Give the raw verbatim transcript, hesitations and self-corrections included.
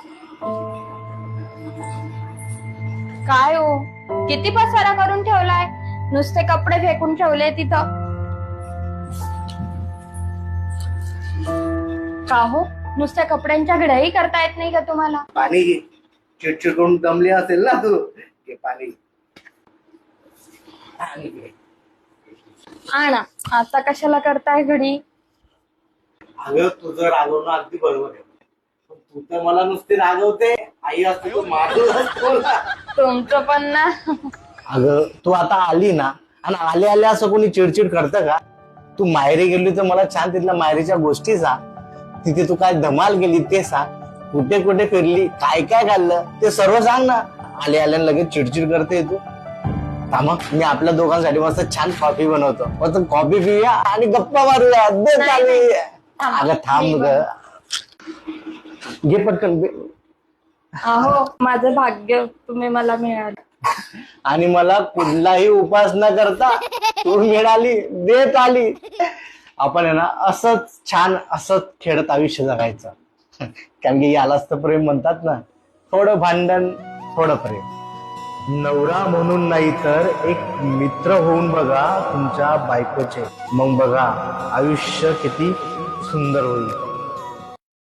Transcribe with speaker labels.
Speaker 1: काय हो, किती पसारा करून ठेवलाय, नुसते कपडे फेकून ठेवले तिथं. का हो, नुसत्या कपड्यांच्या घड्याही करता येत नाही का तुम्हाला?
Speaker 2: पाणी घे, चिडचिड करून दमली असेल ना तू, घे पाणी.
Speaker 1: आणा, आता कशाला करताय घडी?
Speaker 2: अगं तुझं रागवणं अगदी बरोबर आहे, पण तू तर मला नुसती रागवते. आई असते तू मारून असतो ना.
Speaker 1: तुमचं पण ना.
Speaker 2: अगं तू आता आली ना, आणि आले आले असं कोणी चिडचिड करतं का? तू माहेरी गेली तर मला छान तिथल्या माहेरीच्या गोष्टी सांग. तिथे तू काय धमाल गेली ते सांग. कुठे कुठे फिरली, काय काय खाल्लं ते सर्व सांग ना. आले आल्यानं लगेच चिडचिड करते तू. थांबा, मी आपल्या दोघांसाठी मस्त छान कॉफी बनवतो, मस्त कॉफी पिऊया आणि गप्पा मारूया. दे चालू. अगं थांब ग, घे पटकन.
Speaker 1: अहो, माझं भाग्य तुम्ही मला मिळालं.
Speaker 2: आणि मला कुठलाही उपास न करता तू मिळाली, देत आली. आपण आहे ना असंच छान असंच खेळत आयुष्य जगायचं. कारण की यालाच तर प्रेम म्हणतात ना. थोडं भांडण, थोडं प्रेम. नवरा म्हणून नाही तर एक मित्र होऊन बघा तुमच्या बायकोचे. मग बघा आयुष्य किती सुंदर होईल.